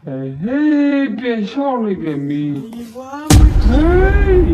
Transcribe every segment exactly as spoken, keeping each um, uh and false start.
ဟေးပြန်ရှောင်းလိုက်ပြန်ပြီဟေး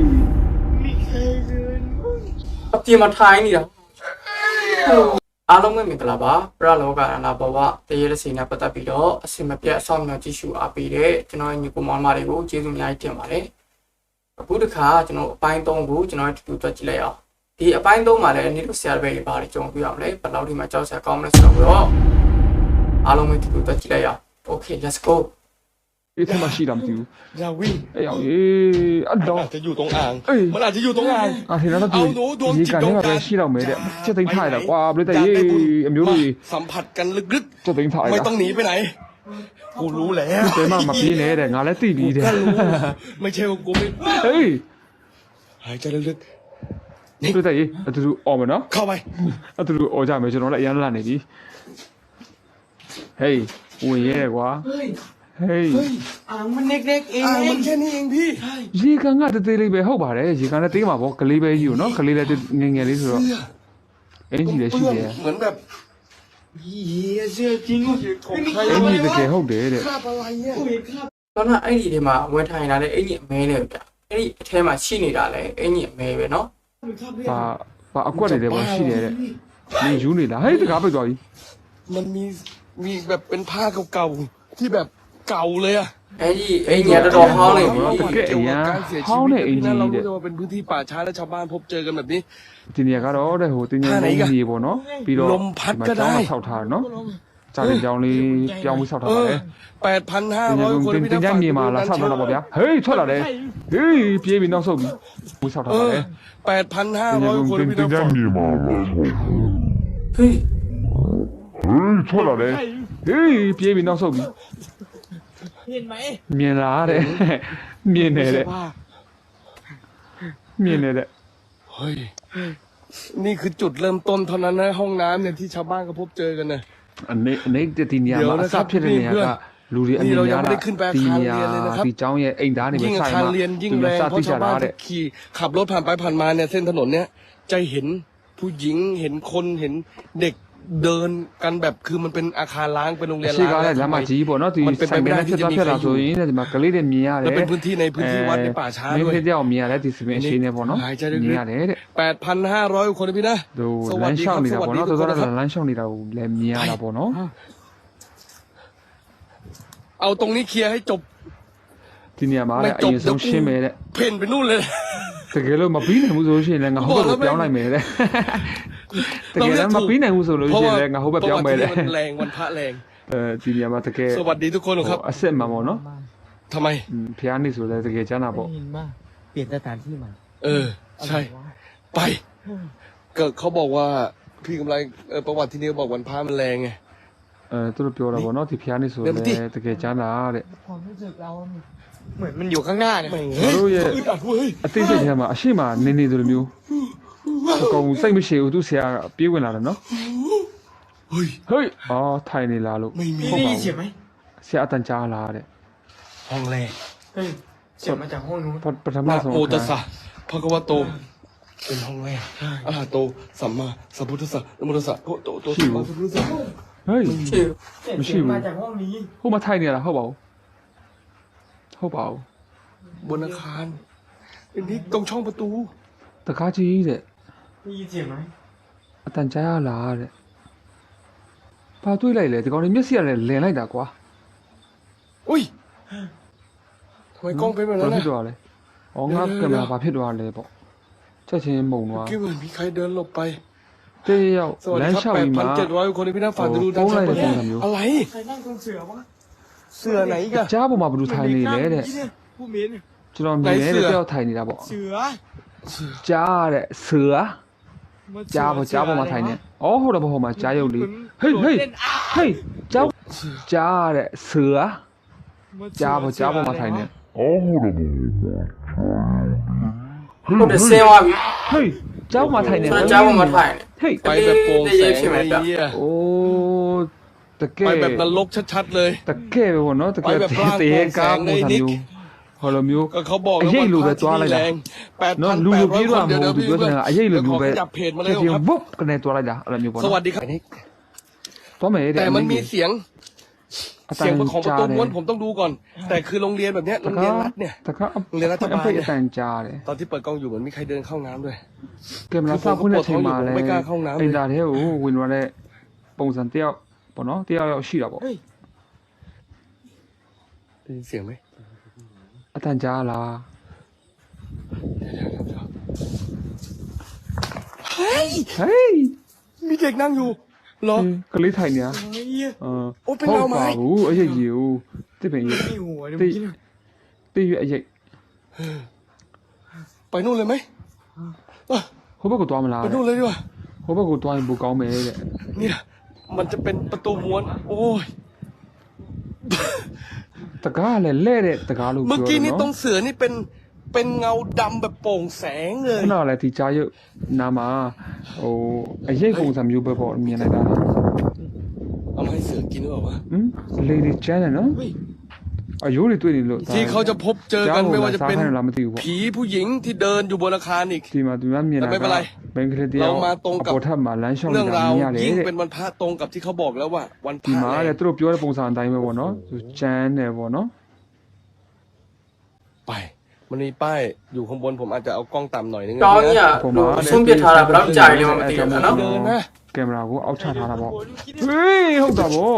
အပြင်မှာထိုင်နေတာအားလုံးပဲမင်္ဂလာပါပရလောကအနာဘဝတရေရစီနဲ့ပတ်သက်ပြီးတော့အစင်မပြတ်အဆောင်အများကြည့်ရှုအားပေးတဲ့ကျွန်တော်ညီကိုမောင်မတွေကိုကျေးဇူးအများကြီးတင်ပါတယ်အခုတစ်ခါကျွန်တော်အပိုင်းသုံးကိုကျွန်တော်တူတူတွက်ကြည့်လိုက်အောင်ဒီအပိုင်းသုံးမှာလည်းနေ့တို့ဆရာတွေပဲပါတယ်ကြုံပြရအောင်လေဘယ်လောက်ဒီမှာကြောက်စရာကောင်းမလဲဆိုတော့အားလုံးပဲတူတူတွက်ကြည့်လိုက်အောင် Okay let's go ဒီထက်မှရှိတာမသိဘူးอย่าวิ่งအေးအောင်အေးအတော့อาจจะอยู่ตรงอ่างมันอาจจะอยู่ตรงอ่างအာထင်တော့သူဒီကနေမှာပဲရှိတော့မယ်တဲ့ချက်သိမ်းထားရတာကွာဘယ်တဲ့ရေးအမျိုးတွေสัมผัสกันลึกချက်သိမ်းထားရๆไม่တာต้องหนีไปไหนกูรู้แล้วတဲမှမပြေးနဲ့တဲ့ငါလည်းသိပြီတဲ့ก็รู้ไม่ใช่ว่ากูไม่ဟေးหายใจลึกဘယ်တဲ့ရေးအတူတူអော်မယ်နော်ๆเข้าไปအတူတူអော်ကြမယ်ကျွန်တော်လည်းအရန်လာနေပြီဟေးဝင်ရဲကွာဟေးอ่างมันเล็กๆเองอ่างมันแค่นี้เองพี่ရေကန်ကတသေးလေးပဲဟုတ်ပါတယ်ရေကန်လည်းတေးမှာပေါ့ကလေးပဲကြီးကိုနော်ကလေးလည်းငယ်ငယ်လေးဆိုတော့အင်းကြီးလည်းရှိတယ်เหมือนแบบเหี้ยเสื้อจริงของใครအင်းကြီးတကယ်ဟုတ်တယ်တဲ့คราบอะไรเนี่ยတော့နော်အဲ့ဒီထဲမှာဝင်ထိုင်လာတဲ့အင်ကြီးအမဲနဲ့ဗျအဲ့ဒီအထဲမှာရှိနေတာလေအင်ကြီးအမဲပဲเนาะပါပါအကွက်နေတယ်ပေါ့ရှိတယ်တဲ့နေယူနေလားဟေးတကားပိတ်သွားပြီมันมีมีแบบเป็นผ้าเก่าๆที่แบบเก่าเลยอะအဲ့ဒီအင်ကြီးတော်တော်ဟောင်းနေပြီတကယ်အရန်ဟောင်းနေအင်ကြီးเราတဲ့รู้ว่าเป็นพื้นที่ป่าช้าและชาวบ้านพบเจอกันแบบนี้ဒီနေရာကတော့တဲ့ဟိုတင်းတင်းလေးကြီးပေါ့နော်ပြီးတော့ลมพัดก็ได้ဆောက်ထားနော်ဂျာတင်ကြောင်းလေးပြောင်းပြီးဆောက်ထားပါလေแปดพันห้าတင်းร้อยတင်းคนတင်းพี่တင်းน้ำကြမြေမှာလာဆောက်ထားတာပေါ့ဗျာဟေးထွက်လာတယ်ဟေးပြေးပြီးနောက်ဆုတ်ပြီးဘူးဆောက်ထားเอပါอလေแปดพันห้าร้อยคนพี่น้ำဟေးဟေးထွက်လာတယ်ဟေးပြေးပြီးနောက်ဆုတ်ပြီးเห็นไหมမြင်လားတဲ့မြင်နေတဲ့မြင်နေတဲ့เฮ้ยนี่คือจุดเริ่มต้นเท่านั้นนะห้องน้ำเนี่ยที่ชาวบ้านเขาพบเจอกันนะအနေအနေဒီနေရာမှာအစဖြစ်တဲ့နေရာကလူတွေအမြင်များတာဒီနေရာဒီကျောင်းရဲ့အိမ်သားတွေပဲยิ่งอาဆိုင်คารမှာเรียนยิ่งသူแรလည်းงစเพသိราะကြชาวတာบ้านတဲ့ที่ขี่ขับรถผ่านไปผ่านมาเนี่ยเส้นถนนเนี่ยจะเห็นผู้หญิงเห็นคนเห็นเด็กเดินกันแบบคือมันเป็นอาคารล้างเป็นโรงเรียนရှိล้างကားတဲ့လမ်းမကြီးပေါ့နော်ဒီဆိုင်ကနေဖြစ်သွားဖြစ်လာဆိုရင်ဒီမှာကလေးတွေမြင်ရတယ်แล้วเป็นพื้นที่ในพื้นที่วัดในป่าช้าမင်းด้วยဖြစ်တဲ့အောင်မြင်ရတယ်ဒီစပင်းရှိနေပေါ့နော်หายใจမြลึင်กရတယ်တဲ့ๆแปดพันห้าร้อยคนนะพี่นะသူสလวัสမ်းดีလျှောคက်รับနေတာสวัสပေါ့ดีနော်ทุกတော်คนတော်นะครับလမ်းလျှောက်နေတာကိုလည်းမြင်ရတာပေါ့နော်เอาตรงนี้เคลียร์ให้จบဒီနေရာမှာတဲ့အရင်ဆုံးရှင်းမယ်တဲ့เพ่นไปนู่นเลยတကယ်လို့မပြီးနိုင်ဘူးဆိုလို့ရှိရင်လည်းငါဟုတ်ဘက်ကိုပြောင်းလိုက်မယ်တဲ့တကယ်လည်းမပြီးနိုင်ဘူးဆိုလို့ရှိရင်လည်းငါဟုတ်ဘက်ပြောင်းမယ်တဲ့มันแรงวันพระแรงအဲဒီနေရာမှာတကယ်สวัสดีทุกคนครับအစ်စ်မှန်ပေါ့နော်ทำไมဖျားနေဆိုလည်းတကယ်ကျမ်းတာပေါ့เห็นมากเปลี่ยนสถานที่ใหม่เออ ใช่ ไปก็เขาบอกว่าพี่กำไรเออประวัติที่นี่บอกวันพระมันแรงไงအဲသူတို့ပြောတာပေါ့နော်ဒီဖျားနေဆိုလည်းတကယ်ကျမ်းတာတဲ့ความรู้สึกเรามันเหมือนมันอยู่ข้างหน้าเนี่ยแม่งတို့ရဲ့อึดอัดเว้ยအသိစိတ်ထဲမှာအရှိမနေနေတယ်လို့မျိုးအကောင်စိတ်မရှိဘူးသူဆရာပြေးဝင်လာတယ်နော်เฮ้ยဟေးအော်ထိုင်နေလားလို့ไม่มีได้ยินเสียงไหมဆရာအတန်ကြားလာတဲ့ห้องแรงเฮ้ยเสียงมาจากห้องนู้นပထမนะဆုံးโมตัสสะภะคะวะโตเป็นห้องแรกอะระหะโตสัมมาสัมพุทธัสสะนะโมตัสสะโตโตโตสัมมาสัมพุทธัสสะဟေးชื่อเสียงมาจากห้องนี้ဟိုမှာထိုင်နေလားဟုတ်ပါဘူးဟုတ်ပါဘူးบนอาคารเป็นที่ตรงช่องประตูတကားကြီးတဲ့ได้ยินเสียงไหมအတန်ကြားရလားတဲ့ဘာတွေးလိုက်လဲဒီကောင်လေးမျက်စိကလည်းလင်လိုက်တာကွာอุ้ยทำไมกล้องเป็นแบบဘာนั้นဖြစ်นะသွားလဲဩငါကင်မရာဘာဖြစ်သွားလဲပေါ့ချက်ချင်းမုံသွားคิดเหมือนมีใครเดินหลบไปတေးရောက်สวัสလดีမ်းครับလျှောက်แปดပြီးพัမှนเจ็ดร้อยคนที่พี่น้ำฝากดูด้านโอ้ซ้ายโหบนโอ้โหอะไรใครนั่งตรงเสือวะเสื้อไหนอีกันကြားပေါ်မှာဘယ်လိုထိုင်နေလဲတဲ့ผู้มิ้นကျွန်တော်မြင်နေတဲ့တယောက်ထိုင်နေတာပေါ့เสือကြားတဲ့ဆူอ่ะကြားပေါ်ကြားပေါ်မှာထိုင်နေဩဟုတ်တယ်ဘောဟိုမှာကြားရုပ်လေးဟေးဟေးဟေးကြားကြားတဲ့ဆူอ่ะကြားပေါ်ကြားပေါ်မှာထိုင်နေဟုတ်တယ်ဆင်းသွားပြီဟေးကြားပေါ်မှာထိုင်နေကျွန်တော်ကြားပေါ်မှာထိုင်နေဟေးไปแบบโปร่งแสงใช่ไหมไอ้จ๊ะเหี้ยအိုးတကไปယ်แบบนรกชัดๆเลยတကယ်ပဲပေါ့နော်တကယ်ไปแบบร่างတေးโปร่งแสကားงပုံစံในนิกမျိုးဟောလိုမျိုးก็เขาบอกအရေးလိုပဲวันพระသွားလိုက်ที่တာแรงแปดနော်พันလူแปလူดร้อยပြေးคတော့นမเดี๋ยวဟုတ်เดี๋ยวဘူးพี่ပြောချင်တာအရေးလိုเดี๋ยวขမျိုးอပဲขยับเพจมาเลยချက်ချင်းครับဝုတ်ကနေသွားလိုက်တာအဲ့လိုမျိုးပေါ့สနော်วัสดีครับသွားမယ်တဲ့แต่มันมีเสียงเสียงของประตูม้วนผมต้องดูก่อน แต่คือโรงเรียนแบบเนี้ยโรงเรียนรัฐเนี่ยแต่ก็โรงเรียนรัฐบาลไม่เนี่ยအတန်ကြားတယ်ตอนที่เปิดกล้องอยู่เหมือนมีใครเดินเข้าน้ำด้วยကင်မရာစောက်ဖွင့်တဲ့အချိန်မှာလည်းไม่กล้าเข้าห้องน้ำเลยအိမ်သားတွေကိုဝင်သွားတဲ့ပုံစံတယောက်ပေါ့နော်တယောက်ယောက်ရှိတာပေါ့ได้ยินเสียงไหมအတန်ကြားလားเฮ้ยဟေးมีเด็กนั่งอยู่เหรอကလေးထိုင်နေရเฮ้ยเออโอ้เป็นเราไหมဟုတ်ပါဘူးအရေးကြီးဦးတစ်ပင်ကြီးไม่หัวเดี๋ยวเมื่อกี้เนี่ยတိရွအရေးไปนู่นเลยไหมอ่ะဟိုဘက်ကိုသွားမလားไปนู่นเลยดีกว่าဟိုบက်ကိုသွားရင်ပိုကောင်းမယ်တဲ့เนี่ยมันจะเป็นประตูม้วน โอ้ยတကားကလည်းလဲ့တဲ့တကားလို့เมื่อပြောกี้တယ်นี่ตรနော်งเสือนี่เป็นเป็นเงาดำแบบโปร่งแสงเลยခဏလည်းဒီကြားရုပ်နာမှာဟိုအရေးပုံစံမျိုးပဲပေါ့မြင်လိုက်တာเอามาให้เสือกินหรือเปล่าวะဟမ်လေဒီကျန်းတယ်နော်เฮ้ยအယိုးတွေတွေ့နေလို့ที่เขาจะพบเจอกันไม่ว่าจะเป็นကြားလာမသိဘူးပေါ့ผีผู้หญิงที่เดินอยู่บนอาคารอีกဒီမှာသူများမြင်တာแต่ไม่เป็นไรဘင်္ဂလားဒေ့ရှ်เรามาตรงกับအပေါ်ထပ်မှာလမ်းလျှောက်เรื่နေองတာราวမြင်ရတယ်ยิ่งတဲ့เป็นวันพระตรงกับที่เขาบอกแล้วว่า วันพဒီระမှာเนี่တဲ့ยသူတို့ပြောတဲ့ပုံစံအတိုင်းပဲပေါ့နော်သူကျန်းတယ်ပေါ့နော်ไปมันมีป้ายอยู่ข้างบนผมอาจจะเอากล้องต่ำหน่อยนึงကောင်းကြီးကဟိုဆုံးပြထားတာဘယ်တော့ကြာရလဲမသိဘူးနော်เดินนะကင်မရာကိုအောက်ချထားတာပေါ့ဟေးဟုတ်တာပေါ့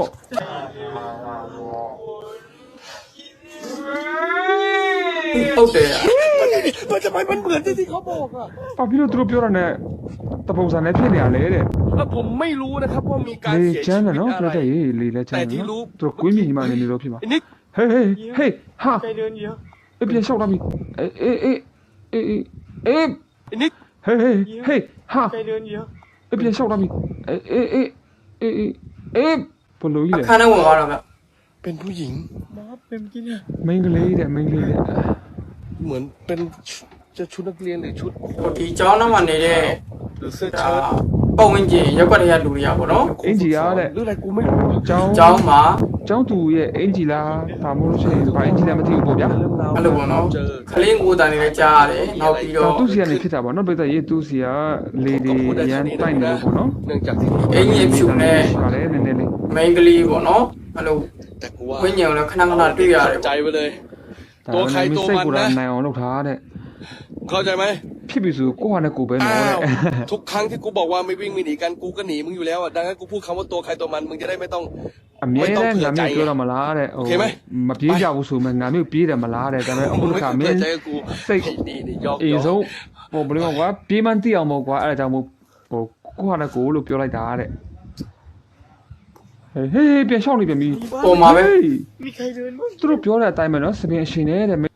ဟုတ်တယ်มันจะไปมันเหมือนที่ที่เขาบอกอะဘာဖြစ်လို့သူတို့ပြောတာနဲ့တပုံစံနဲ့ဖြစ်နေရလဲတဲ့แล้วผมไม่รู้นะครับว่ามีการလေเสียကျชีန်းတယ်วิตနော်อะပြไรတ်တဲ့ရေးလေလည်းကျန်းแต่တယ်ที่รู้နော်သူတို့ကွင်းမြင်ညီမနေနေလို့ဖြစ်မှာไอ้นิกဟေးဟေးဟေးဟာใครเดินเยอะအေးပြန်လျှောက်လာပြီအေးအေးအေးအေးအေးไอ้นิกဟေးဟေးဟေးဟာใครเดินเยอะအေးပြန်လျှောက်လာပြီအေးအေးအေးအေးအေးဘလို့ကြီးလဲအခန်းထဲဝင်သွားတော့ဗျเป็นผู้หญิงมอสเป็นเมื่อกี้เนี่ยမိန်းကလေးတဲ့မိန်းကလေးတဲ့เหมือนเป็นจะชุดนักเรียนหรือชุดဟိုဒီကျောင်းသားမှာနေတဲ့หรือเสื้อဒါเชิ้ตပုံဝင်ကြီးရက်ွက်တွေကလူတွေကပေါ့နော်အင်ဂျီအားတဲ့หรืออะไรกูไม่รู้ကျောင်းကျောင်းမှာကျောင်းသူရဲ့အင်ဂျီလားဒါမှမဟုတ်လို့ရှိရင်ဘာအင်ဂျီလဲမသိဘူးပေါ့ဗျာအဲ့လိုပေါ့နော်ခလင်းကိုတန်နေလည်းကြားရတယ်နောက်ပြီးတော့တော့သူစီကနေဖြစ်တာပေါ့နော်ပြတဲ့ရေးသူစီကလေဒီရန်တိုက်နေလို့ပေါ့နော်เนื่องจากที่အင်ကြီးဖြူနဲ့ပါလေနည်းနည်းလေးမိန်းကလေးပေါ့နော်အဲ့လိုแต่กูว่าဝိညာဉ်ကိုလည်းခဏခဏတွေ့ရတယ်ใจไปเลย ตัวใครตัวมันนะနိုင်အောင်လုပ်ထားတဲ့เข้าใจไหมဖြစ်ပြီဆိုကိုယ့်ဟာနဲ့ကိုယ်ပဲနော်อ้าတဲ့วทุกครั้งที่กูบอกว่าไม่วิ่งไม่หนีกันกูก็หนีมึงอยู่แล้วอ่ะดังนั้นกูพูดคำว่าตัวใครตัวมันมึงจะได้ไม่ต้องအမြဲတမ်းငါမျိုးပြောတော့မလားတဲ့ဟိုမပြေးကြဘူးဆိုမှငါမျိုးပြေးတယ်မလားတဲ့ဒါပေမဲ့အခုไม่ခါမเปิင်းดใจกับกูစိတ်ไอ้นี่นี่ยอกအေးยอกဆုံးဟိုဘယ်လိုကွာပြေးမှန်းသိအောင်မို့ကွာအဲ့ဒါကြောင့်မို့ဟိုကိုယ့်ဟာနဲ့ကိုယ်လို့ပြောလိုက်တာတဲ့ဟေးဟေးပြန်ရှောက်နေပြန်ပြီပုံမှာပဲมีใครเดินบ้างသူတို့ပြောတဲ့အတိုင်းပဲနော်စပင်အရှင်နေတဲ့ဟေး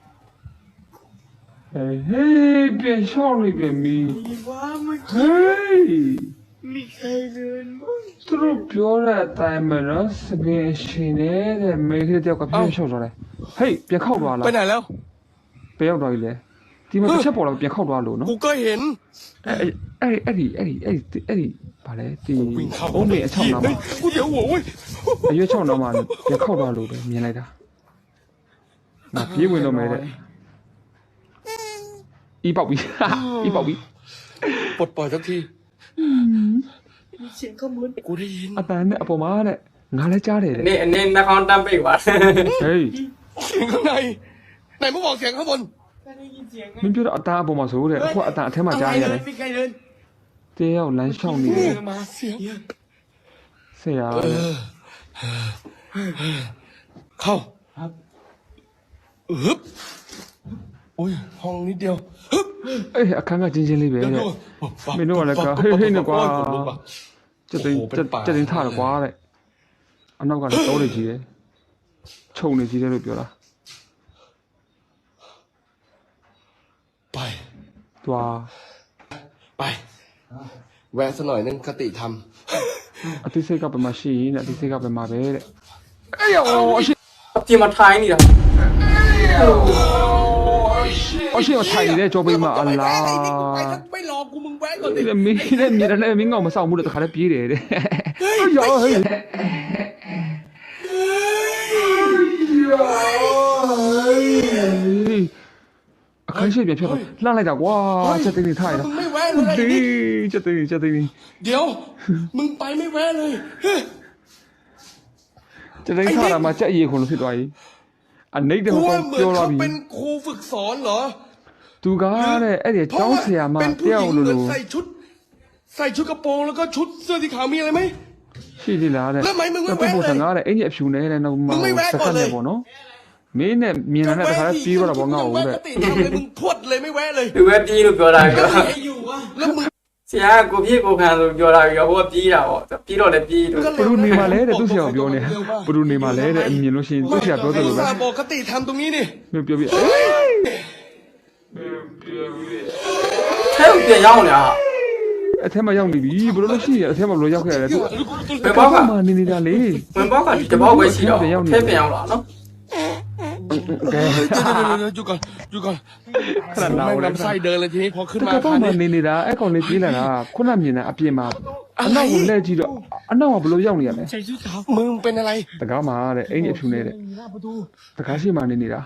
ဟေးပြန်ရှောက်နေပြန်ပြီมีว่าเมื่อဟกี้ေးมีใครเดินบ้างသူတို့ပြောတဲ့အတိုင်းပဲနော်စပင်အရှင်နေတဲ့မိန်းကလေးတယောက်ကပြန်ရှောက်သွားတယ်ဟေးပြန်ခောက်သွားလားไปไหนแล้วပြန်ရောက်သွားပြီလေဒီမှာတစ်ချက်ပေါ်လာပြန်ခောက်သွားလို့နော်กูก็เห็นအဲ့အဲ့ဒီအဲ့ဒီအဲ့ဒီအဲ့ဒီဗာလဲဒီวิ่งเข้าအုံးမေအချောင်းနာမှာกูเดี๋ยวหัวเว้ยအရွက်ချောင်းနာမှာပြန်ခောက်သွားလို့ပဲမြင်လိုက်တာငါပြေးဝင်တော့မယ်တဲ့ဤပေါက်ပြီဤပေါက်ပြီปลดปล่อยสักทีมีเสียงข้างบนกูได้ยินအပန်းနဲ့အပေါ်မှာတဲ့ငါလည်းကြားတယ်တဲ့အနေအနေနှာခေါင်းတန်းပိတ်ပါဟေးเสียงข้างในไหนมึงบอกเสียงข้างบนမင်းပြောတော့အတန်းအပေါ်မှာဆိုတဲ့အခုအတန်းအထက်မှာကြားရတယ်มีใครเดินတဲရောက်လမ်းလျှောက်နေတယ်มาเสียงဆရာเข้าครับฮึบโอ้ยห้องนิดเดียวฮึบအေးအခန်းကချင်းချင်းလေးပဲเดี๋ยวတဲ့ดูမင်းတို့ကလည်းကဟေးဟေးနဲ့ကွာขนลุกว่ะစက်တင်စက်တင်ထားတယ်ကွာတဲ့အနောက်ကလည်းတိုးနေကြီးတယ်ခြုံနေကြီးတယ်လို့ပြောတာไปသွားไปแวะสักหน่อยนึงคติธรรมအသိစိတ်ကဘယ်မှာရှိရင်တဲ့အသိစိတ်ကဘယ်မှာပဲတဲ့အေးရောအရှိအပြင်မှာထိုင်နေတာအရှိထိုင်နေတဲ့ကြောပိမအလားไม่รอกูมึงแวะก่อนดิဒီမင်းနဲ့မြေနဲ့မင်းကောင်မဆောင်ဘူးတဲ့တခါတည်းပြေးတယ်တဲ့ရောဟေးအခန်းရှိပြန်ဖြစ်တော့လှမ်းလိုက်တာကွာချက်သိနေထားရတာมึงไม่แวะเลยไอ้ဒီนี่ချက်သိနေချက်သိနေเดี๋ยว มึงไปไม่แวะเลยเฮ้ยချจะได้ท่ามาจะเยี่ยคนที่ตัวนี้อันนี้เดี๋ยวกูเขาว่าเหมือนเกี่ยวเราเขาบีเป็นครูฝึกสอนเหรอตูก้าเนี่ยไอเดี๋ยวเพราะเจ้าว่าเสียมาเป็นผู้เที่หยวญิงลูเหมือนลูใส่ชุด ใส่ชุดกระโปรงแล้วก็ชุดเสื้อสีขาวมีอะไรไหมရှိသေးလားတဲ့แล้วทำไมมึงไม่တော့ပုံแวะစံเลยကားတဲ့အင်ကြီးအဖြူနေတဲ့နောက်မှာมึงไม่แวะစก่ကอนတ်เลยနဲ့ပေါ့နော်မင်းနဲ့မြင်လာတဲ့တခါတည်းပြီးတော့ပေါ့ငါ့ကိုแวะတဲ့กติทำเลยมึงพรวดเลยไม่แวะเลยသူပဲပြေးလို့ပြောတာပြောไอ้อยู่วะแล้วมึงဆရာကကိုပြေးကိုခံလို့ပြောတာပြောဟိုကပြေးတာပေါ့ပြေးတော့လည်းပြေးလို့ဘလူနေမှာလဲတဲ့သူ့ဆရာပြောနေဘလူနေမှာလဲတဲ့အမြင်လို့ရှိရင်သူ့ဆရာပြောတယ်လို့ပဲอุตส่าห์บอกกติทำตรงนี้นี่မပြောပြအေးထဲကိုပြန်ရောက်နေတာအထက်မှာရောက်နေပြီဘလို့လို့ရှိရင်အထက်မှာဘလို့ရောက်ခဲ့ရတယ်သူဘယ်ဘောက်ကမှနေနေတာလေဝင်ဘောက်ကဒီတစ်ဘောက်ပဲရှိတော့ထဲပြန်ရောက်လာနော်ကဲเดี๋ยวๆๆๆหยุดก่อนหยุดก่อนခဏနာแม่งဦးလေลำไส้เดินเลยทีนี้พอขึ้นတมาကယ်คတော့ราวမှนี้နေနေတာအဲ့ကောင်လေးပြေးလာတာခုနမြင်တာအပြင်မှာအနောက်ကိုလှည့်ကြည့်တော့အနောက်ကဘလို့ရောက်နေရလဲใส่ชุดขาวมึงเป็นอะไรတကားမှာတဲ့အင်ကြီးအဖြူနေတဲ့อยู่หน้าประตูတကားရှိမှနေနေတာ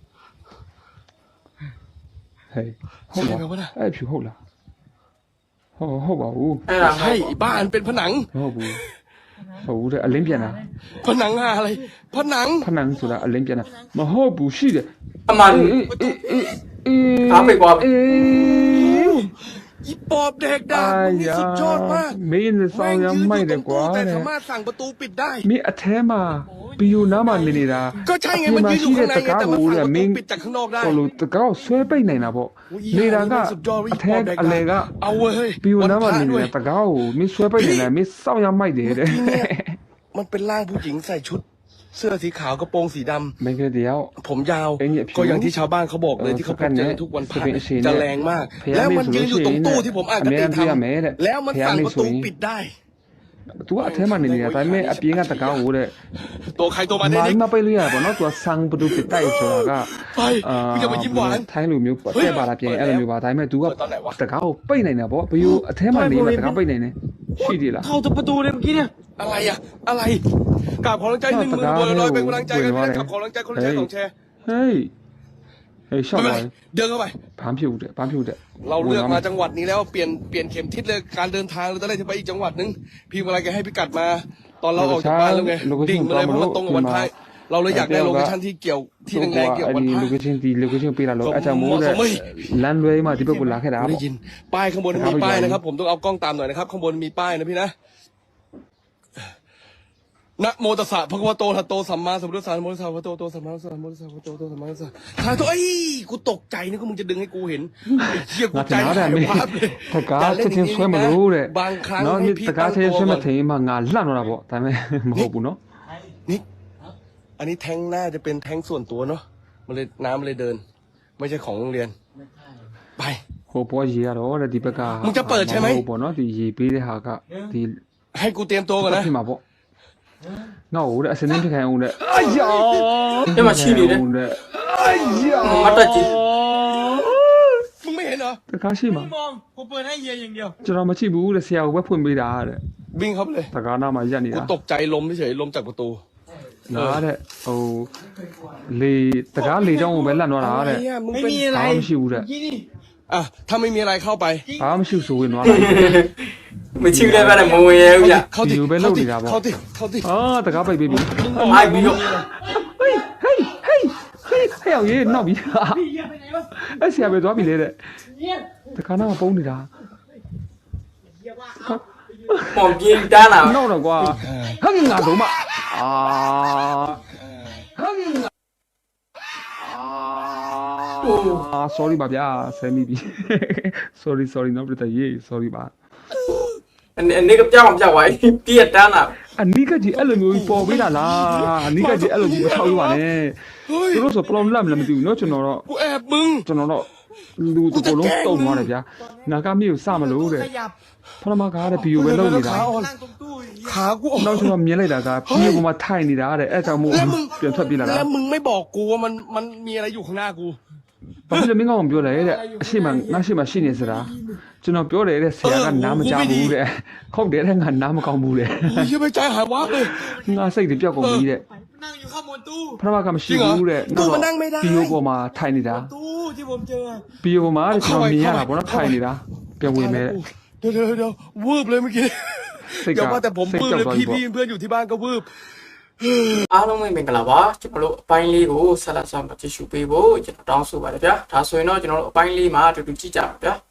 ဟေးဟုတ်လားအဲ့ဖြူဟုတ်လားဟုတ်ဟုတ်ပါဘူးအဲ့ဒါใช่บ้านเป็นผนังမဟုတ်ဘူးဟုတ်ဘူးတဲ့အလင်းပြန်တာผนังอะไรผนังဖနန်းဆိုတာအလင်းပြန်တာမဟုတ်ဘူးရှိတယ်အမှန်အေးအေးအေးအေးအားပိတ်သွားပြီအေးอีปอบเด็กด่ามึงนี่สุดยอดมากမင်းနဲ့ဆောแม่င်းงရยืนอမိုက်ยู่ตတรယ်งကွာตู้แต่တဲ့สามารถสั่งประตูปิดได้မင်းအထဲမှာဘီယိုနားမှာနေနေတာก็ใช่ไงมันยืนอยู่ข้างในไงแต่มันสั่งประမตูင်းปิดจากข้างนอกได้ဟိုလိုတကောက်ဆွဲပိတ်နိုင်တာပေါ့နေတာကအထဲအလေကเอาเว้ยဘီယိုနားမှာနေด้วနေยတကောက်ကိုမင်းဆွဲပိတ်နိုင်တယ်မင်းစောင်းရမိုက်တယ်တဲ့มันเป็นร่างผู้หญิงใส่ชุด เสื้อสีขาวกระโปรงสีดำမင်းကတည်းကผมยาวไอ้เนี่ยผิวก็อย่างที่ชาวบ้านเขาบอกเลยเออที่เขาพสกับ นเจเนี่อย ทุกวันพระสเปนเชียจะเนี่ยแรงมากพยายามแล้วมันไม่ยืนอยู่ตรงสูงตู้เนี่ยที่ผมอ่านอกเมริติกันทพี่อเมริกันำแล้วมันสั่งพยายามไม่ประสูตูงปิดได้ तू ကအထဲမှာနေနေတာဒါပေမဲ့အပြင်ကတကောက်ဟိုတဲ့ตัวใครตัวมันเนี่ยမိုนิင်းกမပိတ်လို့ရပါတော့ तू ဆန်ပဒူပတိုက်ဆိုတာကไปมึงอย่ามายิ้มหวานထိုင်းလိုမျိုးပေါ့တဲ့ပါလားပြင်အဲ့လိုမျိုးပါဒါပေမဲ့ तू ကเปิดตอนไหนวะတကောက်ကိုပိတ်နိုင်တာပေါ့ဘီယိုအထဲမှာနေမှာတကောက်ပိတ်နိုင်တယ်ရှိသေးလားเข้าตัวประตูเลยเมื่อกี้เนี่ยอะไรอะอะไรกราบขอรังใจหนึ่งหมื่นบัวลอยเป็นกำลังใจกันนะกราบขอรังใจคนละแชร์สองแชร์ဟေးဟေးရှောက်ไม่ပါเป็นไรเดินเข้าไปဘာမှဖြစ်ဦးတဲ့ဘာမှဖြစ်ဦးတဲ့เราเลือกมาจังหวัดนี้แล้วเปลี่ยนเปลี่ยนเข็มทิศเลยการเดินทางเราตอนแรกจะไปอีกจังหวัดนึงพี่เวลาแกให้พิกัดมา ตอนเราออกจากบ้านแล้วไงดิ่งมาเลยเพราะมันตรงกับวันพระเราเลยอยากได้โลเคชั่นที่เกี่ยวที่แรงๆเกี่ยวกับวันพระဒီ location ဒီ location ပေးလာလို့အချမ်းမိုးတဲ့လမ်းလွဲမှာဒီဘက်ကိုလာခဲ့တာไม่ပေါ့ได้ยินป้ายข้างบนมีป้ายนะครับ ผมต้องเอากล้องตามหน่อยนะครับข้างบนมีป้ายนะพี่นะนะโมตัสสะพระคัมภโตทัตโตสัมมาสัมพุทธัสสะนะโมตัสสะพระโตโตสัมมาสัมพุทธัสสะพระโตโตสัมมาสัมพุทธัสสะถ่ายตัวไอ้กูตกใจนึกว่ามึงจะดึงให้กูเห็นไอ้เหี้ยกูငါใจတင်หาတော့ยတယ်မင်းวับเลยတကားချက်ချင်းဆွဲမလို့တဲ့บางครั้งနော်ให้ဒီพี่တကားตั้งချက်ตัวချင်းဆွဲမก่อนထင်မှငါလှန့်တော့တာပေါ့ဒါပေမဲ့မဟုတ်ဘူးနော်นิกอันนี้แท้งน่าจะเป็นแท้งส่วนตัวเนาะมันเลยน้ำมันเลยเดิน ไม่ใช่ของโรงเรียนไปဟိုပေါ်ရေရတော့တဲ့ဒီဘက်ကมึงจะเปิดใช่ไหมဟိုပေါ့နော်ဒီရေပေးတဲ့ဟာကဒီให้กูเตรียมตัวก่อนนะဖြစ်မှာပေါ့ငါ့ဟိုတဲ့အစင်းဖြစ်ခိုင်းအောင်တဲ့အာယာဒီမှာရှိနေတယ်အာယာမတက်ကြည့်มึงไม่เห็นเหรอတကားရှိမှာไม่มองผมเปิดให้เฮียอย่างเดียวကျွန်တော်မကြည့်ဘူးတဲ့ဆရာကဝက်ဖွင့်ပေးတာတဲ့วิ่งเข้าไปเลยတကားနားမှာရက်နေกูတာตกใจลมเฉยๆลมจากประตูလားတဲ့ဟိုလေတကားလေကြောင်းကိုပဲလန့်သွားတာอะไรတဲ့อ่ะมึงไม่เป็นมีอะไรဘာမှမရှိဘူးတဲ့เมื่อกี้นี่อ่ะถ้าไม่มีอะไรเข้าไปဘာမှမရှိဆိုဝင်သွားတာမချူလည်းပဲမဝင်ရဘူးဗျเข้าติဒီလိုပဲလုပ်နေတာပေါ့เข้าติเข้าติအာတကားပိတ်ပေးပြီအိုက်ပြီးတော့ဟေးဟေးဟေးဟေးဟေးအောင်ရေးနောက်ပြီพี่เฮียไปไหนวะအဲ့ဆရာပဲသွားပြီလေတဲ့เฮียတကားနားမှာပုံနေတာเฮียว่าเอาပုံပြင်းတန်းလာနောက်တော့ကွာဟငငါတော့မအာဟငငအာ sorry ပါဗျာဆယ်မိပြီ sorry sorry နော်ပြတ်ရေး sorry ပါအနေကပြောင်းပြောင်းသွားပြည့်တန်းလာအနိကကြီးအဲ့လိုမျိုးပေါ်ပေးတာလားအနိကကြီးအဲ့လိုကြီးမထောက်ရပါနဲ့เฮ้ยသူတို့ဆို problem လားမသိဘူးเนาะကျွန်တော်တော့กูแอบมึงကျွန်တော်တော့လူတကလုံးတုံသွားတယ်ဗျာနာကမြေကိုစမလို့တဲ့ขยับဖရမကားတဲ့ဗီဒီယိုပဲလုပ်နေတာนั่งตรงตู้อย่างเงี้ยขากูออกနောက်ကျွန်တော်မြင်လိုက်တာကဗီဒီယိုပေါ်မှာထိုင်နေတာတဲ့အဲ့ကြောင့်မို့แล้วมึงပြန်ထွက်ပြေးလာတာแล้วมึงไม่บอกกูว่ามันมันมีอะไรอยู่ข้างหน้ากูဘာဖြစ်လို့မင်းကောင်ပြောလဲတဲ့အရှိမငါရှိမရှိနေစရာကျွန်တော်ပြောတယ်တဲ့ဆရာကနားမကြဘူးတဲ့ခုတ်တယ်တဲ့ငါနားမကောင်းဘူးတဲ့โอ้ยเหี้ยไปใจหายวับเลยငါစိတ်တွေပြောက်ကုန်ပြီတဲ့นั่งอยู่ข้างบนตู้ဖရမကမရှိဘူးတဲ့ตู้มันนั่งไม่ได้ဗီဒီယိုပေါ်မှာထိုင်နေတာตู้ที่ผมเจอဗီဒီယိုပေါ်မှာတဲ့ကျွန်တော်မြင်ရတာပေါ့နော်ထိုင်နေတာပြန်ဝင်မယ်เดี๋ยวเดี๋ยวเดี๋ยววืบเลยเมื่อกี้စိတ်ကอย่าว่าแต่ผมစိတ်วืบကြောက်เลยသွားပြီพี่ပေါ့พี่เพื่อนอยู่ที่บ้านก็วืบအားလုံးပဲမင်္ဂလာပါကျွန်တော်တို့အပိုင်းလေးကိုဆက်လက်ဆောင်ကြည့်ရှုပေးဖို့ကျွန်တော်တောင်းဆိုပါတယ်ဗျာဒါဆိုရင်တော့ကျွန်တော်တို့အပိုင်းလေးမှာအတူတူကြည့်ကြပါဗျာ